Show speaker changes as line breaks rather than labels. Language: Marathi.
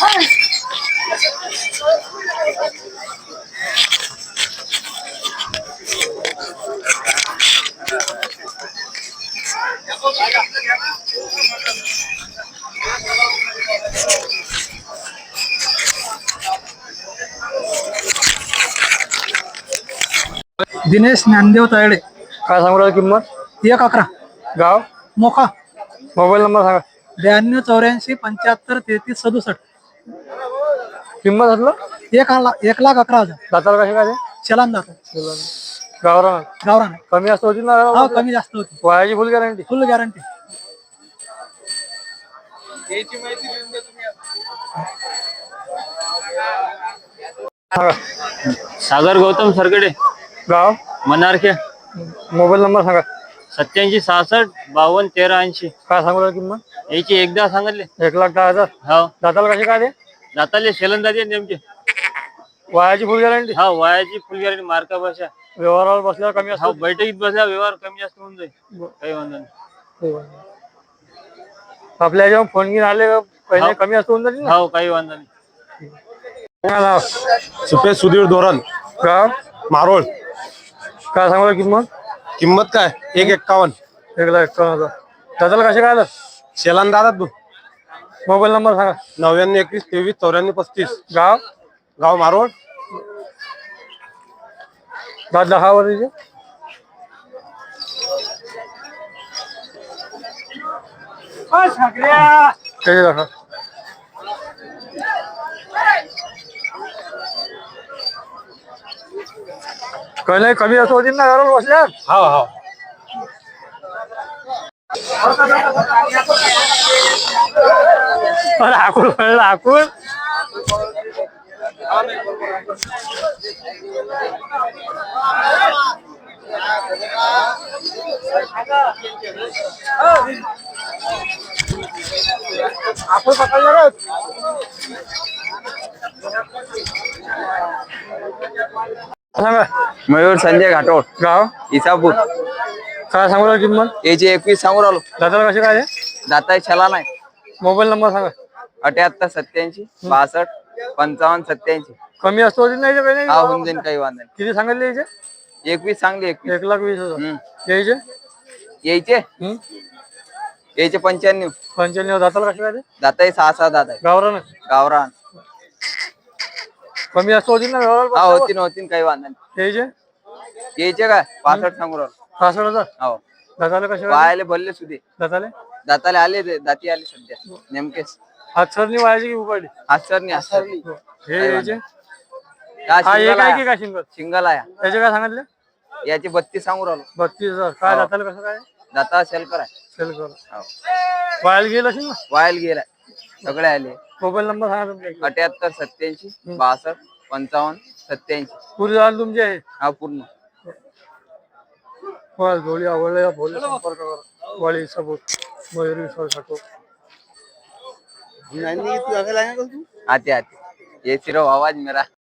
दिनेश ज्ञानदेव तायडे.
काय सांगू राहिली किंमत?
1,11.
गाव,
मोखा.
मोबाईल नंबर सांगा.
92 84 75 33 67.
किंमत म्हटलं
1,11,000.
दाताला कसे काय ते?
चलन जातो.
गावरान
गावरान.
कमी असतं होती ना?
हा, कमी जास्त होती.
वयाची full guarantee.
Full guarantee.
Sagar Gautam Sargade.
गाव,
मनारखे.
मोबाईल नंबर सांगा.
87 66 52 13 80.
काय सांगू राहिली किंमत?
याची एकदा सांगितले.
1,10,000.
हो,
दाताला कसे काय ते?
दाताले शेलंदाजी नेमके.
वयाची फुल गॅरंटी.
हा, वयाची फुल गॅरंटी. मार्का भाषा.
व्यवहारावर बसल्यावर कमी
हा,
असतो.
बैठकीत बसल्या व्यवहार कमी जास्त होऊन जाईल. काही वांधा नाही.
आपल्या जेव्हा फोन घेऊन आले पहिले कमी असतो होऊन जाईल ना?
हो, काही वांधा नाही.
सुपेश सुधीर धोरण.
गाव,
मारोळ.
काय सांगू राहिली किंमत?
किंमत काय? 1,51.
1,51,000. दाताला कसे काय आलं?
शेलान दादा.
मोबाईल नंबर सांगा.
99 21 23 94 35.
गाव,
गाव मारोळ.
दात 10 वर्षाचे. त्याचे दाखवा. काही नाही कमी असं होती ना घरावर बसल्या.
हा हा.
आकुळ म्हणलं आकुळ. आपण पकडलं. सांगा.
मयूर संजय घाटोळ.
गाव,
इसापूर.
काय सांगू राहिली किंमत?
याची 21 सांगू राहिलो.
दाताला कसे काय?
दाता छला नाही.
मोबाईल नंबर सांगा.
78 87 62 55 87.
कमी असतो होती नाही काही नाही?
हा, होऊन जाईन, काही वांधा
किती सांगितले याचे?
नाही. 21 सांगली. 21.
1,20,000. यायचे
यायचे यायचे 95.
95. दाताला कसे काय?
दाता 6 दात आहे.
गावरान
गावरान.
कमी असतो होती ना
हा,
व्यवहार?
होतीन काही वांधा नाही.
यायचे
यायचे काय 65 सांगू राहिलो.
65,000.
हो,
दाताला कसे काय?
वायाले भरले सुधे.
दाताले
दाताले आले दाती आले सध्या नेमकेच.
हातसरणी वायाची की उपाडी?
आसरणी.
हे यायचे
हा,
हा एक आहे की
शिंगल
काय शिंगल?
शिंगल आहे.
त्याचे काय सांगितले?
याची 32 सांगू राहिलो.
32,000. काय
हो.
दाताला कसं काय?
दाता सेल करा.
सेल करा.
हो,
वायाला गेलं असेल ना?
वायल गेलाय. सगळे आले.
मोबाईल नंबर सांगा तुमच्या.
78 87 62 55 87.
पुरी जाण तुमची आहे.
हा, पूर्ण.
वाल जोडी आवडल्या बोल संपर्क करा. वाली सबूत मयूर विश्वास ठाकूर.
आते आते ये सिर्फ आवाज मेरा.